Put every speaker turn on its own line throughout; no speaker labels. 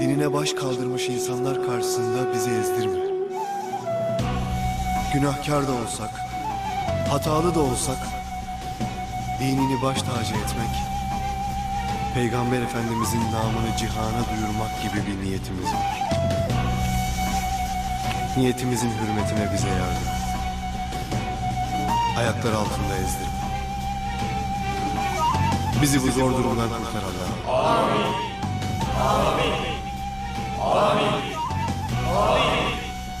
dinine baş kaldırmış insanlar karşısında bizi ezdirme. Günahkar da olsak, hatalı da olsak, dinini baş tacı etmek, Peygamber Efendimizin namını cihana duyurmak gibi bir niyetimiz var. Niyetimizin hürmetine bize yardım. Ayaklar altında ezdirme. Bizi bu zor durumdan kurtar Allah'ım.
Amin. Amin. Amin. Amin.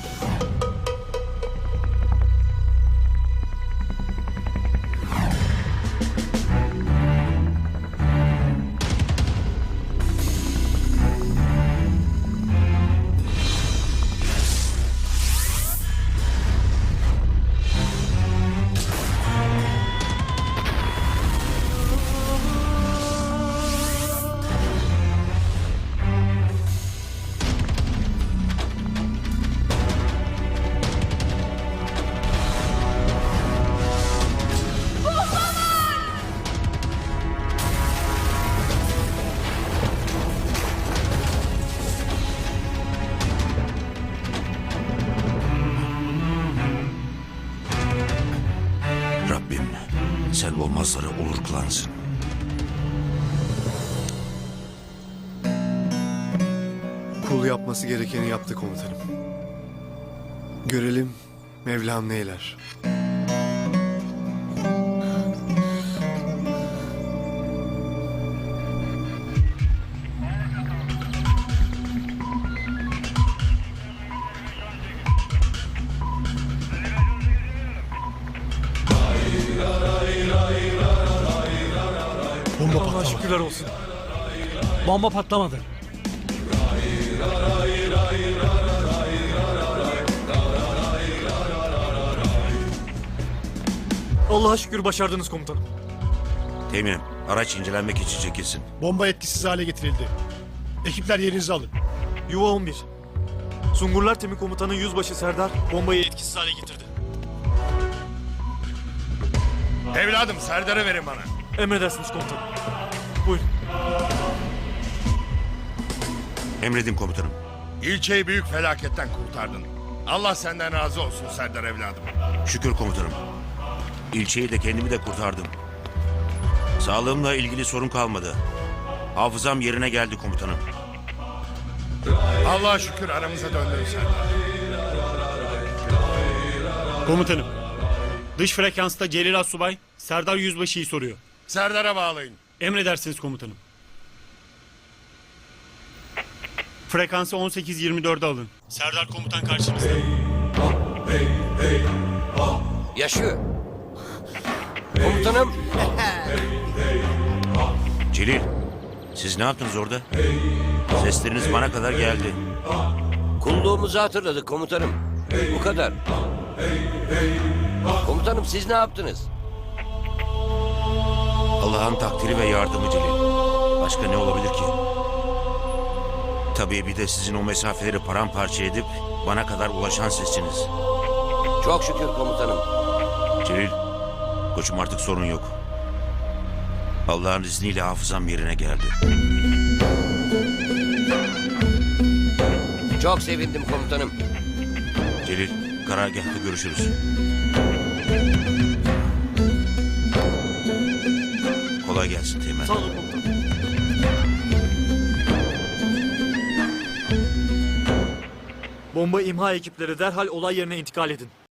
Rabbim sel olmazları olur kılansın.
Kul yapması gerekeni yaptı komutanım. Görelim Mevlam neyler.
Bomba patlamadı. Şükürler olsun. Bomba patlamadı. Allah'a şükür başardınız komutanım.
Teğmenim, araç incelenmek için çekilsin.
Bomba etkisiz hale getirildi. Ekipler yerinizi alın.
Yuva 11. Sungurlar Timi Komutanı Yüzbaşı Serdar bombayı etkisiz hale getirdi.
Evladım Serdar'ı verin bana.
Emredersiniz komutanım. Buyurun.
Emredin komutanım.
İlçeyi büyük felaketten kurtardın. Allah senden razı olsun Serdar evladım.
Şükür komutanım. İlçeyi de kendimi de kurtardım. Sağlığımla ilgili sorun kalmadı. Hafızam yerine geldi komutanım.
Allah'a şükür aramıza döndün Serdar.
Komutanım, dış frekansta Celil Assubay, Serdar Yüzbaşı'yı soruyor.
Serdar'a bağlayın.
Emredersiniz komutanım. Frekansı 18-24'e alın. Serdar komutan karşınızda.
Yaşıyor. Komutanım.
Celil, siz ne yaptınız orada? Sesleriniz bana kadar geldi.
Kulluğumuzu hatırladık komutanım. Bu kadar. Komutanım siz ne yaptınız?
Allah'ın takdiri ve yardımı Celil. Başka ne olabilir ki? Tabii bir de sizin o mesafeleri paramparça edip bana kadar ulaşan sesiniz.
Çok şükür komutanım.
Celil, koçum artık sorun yok. Allah'ın izniyle hafızam yerine geldi.
Çok sevindim komutanım.
Celil, karargâhta görüşürüz. Kolay gelsin Teğmen.
Sağ olun komutanım. Bomba imha ekipleri derhal olay yerine intikal edin.